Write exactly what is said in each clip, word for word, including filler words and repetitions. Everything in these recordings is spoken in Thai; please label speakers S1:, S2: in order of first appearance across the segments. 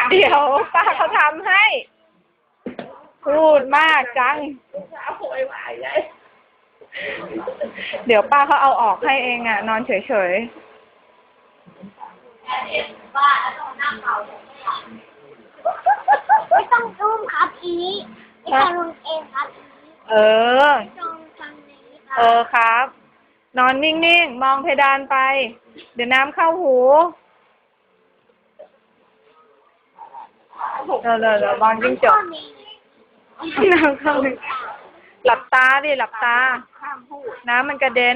S1: เดี๋ยวป้าเขาทำให้พูดมากจังเดี๋ยวป้าเขาเอาออกให้เองอ่ะนอนเฉยๆ
S2: ไม่ต้องอุ้มครับอีนี้ไม่ต้องลงเองครับ
S1: เออ
S2: จงฟังนี้ครั
S1: เออครับ นอนนิ่งๆมองเพดานไปเดี๋ยวน้ำเข้าหูเออเดี๋ยวมองจิ้งจกน้ำเข้าหลับตาดิหลับตาน้ำมันกระเด็น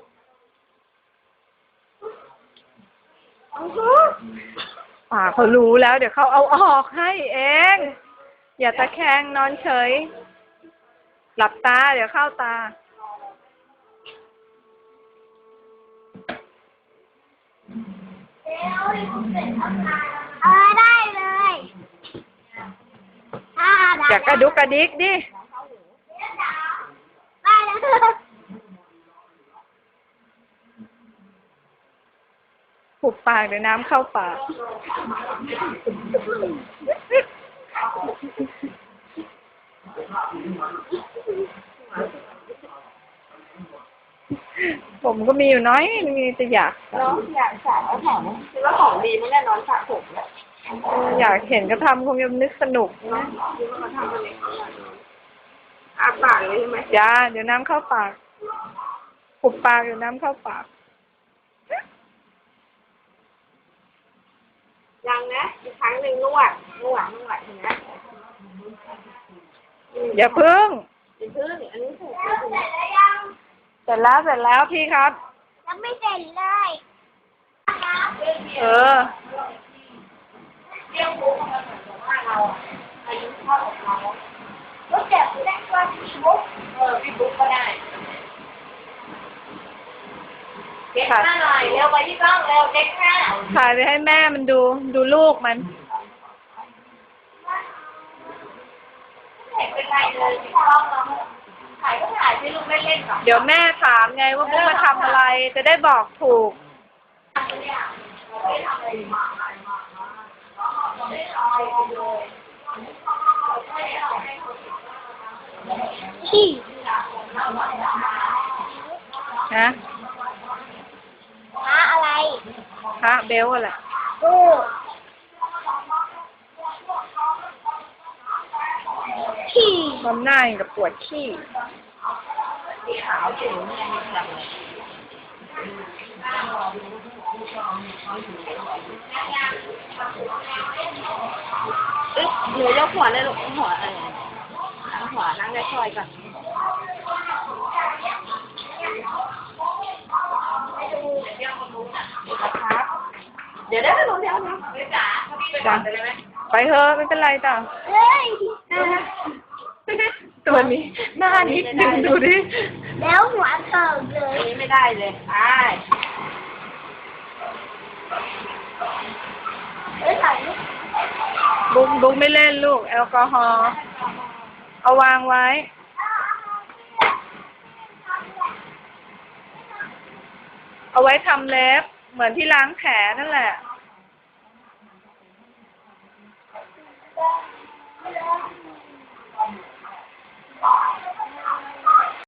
S1: ป่าเขารู้แล้วเดี๋ยวเขาเอาออกให้เองอย่าตะแคงนอนเฉยหลับตาเดี๋ยวเข้าตา
S2: เออได้เลย
S1: อย่ากระดุกกระดิกดิ
S2: ได้แล้ว
S1: หุบปากเดี๋ยวน้ำเข้าปากผมก็มีอยู่น้อยมีแต่อยาก
S3: น้องอยากสระแล้วของคิดว่าของดีไม่แน่นอนสระผมเนี่ย
S1: อยากเห็นก็ทำคงจะนึกสนุกนะ
S3: คิดว่าเขาทำอะไรอาปากเลยใช่ไหม
S1: จ้าเดี๋ยวน้ำเข้าปากหุบปากเดี๋ยวน้ำเข้าปาก
S3: ยังนะอีกครั้งหนึ่งนวดนวดนวดเห็นไหม
S1: อย่าพึ่ง
S3: อย่าพึ่งอันนี้ถูก
S1: เสร็จแล้วเสร็จแล้วพี่ครับ
S2: ยังไม่เสร็จเลย
S1: เออ
S3: เรื่องบุ๊กมันเหมือนกับว่าเราอายุเท่ากับเขาก็เจ็บได้ก็พี่บุ๊กเออพี่บุ๊กก็ได้เด็กหน้าหน่อยเร็วไปที่กล้องเร็วเด็กหน้า
S1: ถ่ายไปให้แม่มันดูดูลูกมัน
S3: เห็นเป็นไรเลยที่กล้องเราถ่ายก็ถ่ายที่ลูกเล่นๆก่อน
S1: เดี๋ยวแม่ถามไงว่าบุ๊กมาทำอะไรจะได้บอกถูก
S2: ขี้
S1: ฮะ
S2: หาอะไร
S1: ฮะเบลอะไร
S2: โอ้ขี้
S1: มันหน้าอย่างกับปวดขี้
S3: ขาวถึงเนี่ยมีแบบเอ๊ะหนูยกหัวเลยลูกหัวเออหัวนั่งได้คอยก่อนครับเดี๋ยวได้ไปลงเดี๋ยวนะไปจ๋าพี่ไปก่อนเลยไหม
S1: ไปเถอะไม่เป็นไรจ้ะ
S2: เฮ้ย
S1: ตัวนี้หน้านิดนึงดูดิ
S2: แล้วหัวเติมเลย
S3: นี้ไม่ได้เลยไป
S2: เอ้ยถ่ายรูป
S1: บุ๊กบุ๊กไม่เล่นลูกแอลกอฮอล์เอาวางไว้เอาไว้ทำเล็บเหมือนที่ล้างแผลนั่นแหละ